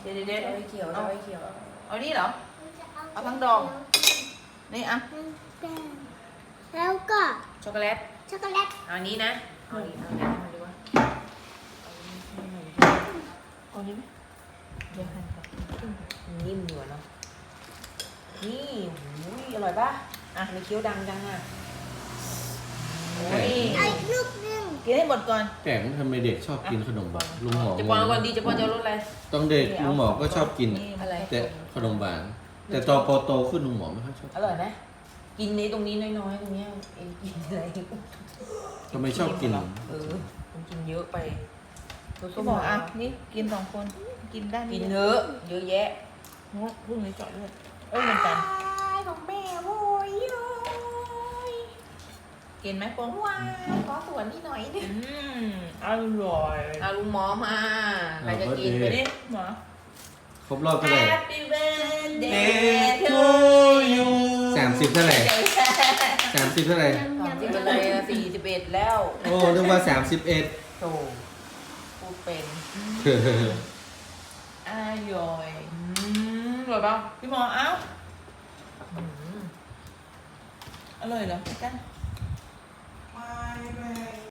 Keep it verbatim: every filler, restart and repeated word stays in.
ดี๋ยวเดี๋ยวเดี๋ยวเอาไว้เขียวเอาไว้เขียวเอานี่เหรอเอาทั้งดองนี่อ่ะแล้วก็ช็อกโกแลตช็อกโกแลตเอาอันนี้นะเอาอันนี้เอาอันนี้มาดูว่าเอาอันนี้ไหมเดี๋ยวหั่นก่อนนิ่มอยู่อะเนาะนี่หูยอร่อยป่ะอ่ะมีเคี้ยวดังจังอ่ะโอ้ยเอาอีกลูกหนึ่งกินให้หมดก่อนแต่ทำไมเด็กชอบกินขนมหวานลุงหมอจะปอนก่อนดีจะปอนจะเอารสอะไรต้องเด็กลุงหมอก็ชอบกินอะไรแต่ขนมหวาน แต่ตอนพอโตขึ้นลุงหมอไม่ค่อยชอบอร่อยไหมกินนี้ตรงนี้น้อยๆตรงเนี้ยเองกินอะไรทำไมชอบกินเออผมกินเยอะไปก็บอกอ่ะนี่กินสองคนกินได้กินเยอะเยอะแยะงกพรุ่งนี้เจาะเลือดเอ้ยเหมือนกันของแม่โว้ยโว้ยกินไหมปองว้ายขอสวนนี่หน่อยดิอืมอร่อยเอาลุงหมอมาใครจะกินไปดินี่หมอครบรอบเท่าไหร่ Happy birthday to you สามสิบเท่าไหร่สามสิบเท่าไหร่สามสิบไปเลยสี่สิบเอ็ดแล้วโอ้นึกว่าสามสิบเอ็ดโธ่พูดเป็นอร่อยอืมอร่อยเปล่าพี่หมอเอ้าอืมอร่อยเหรอกัน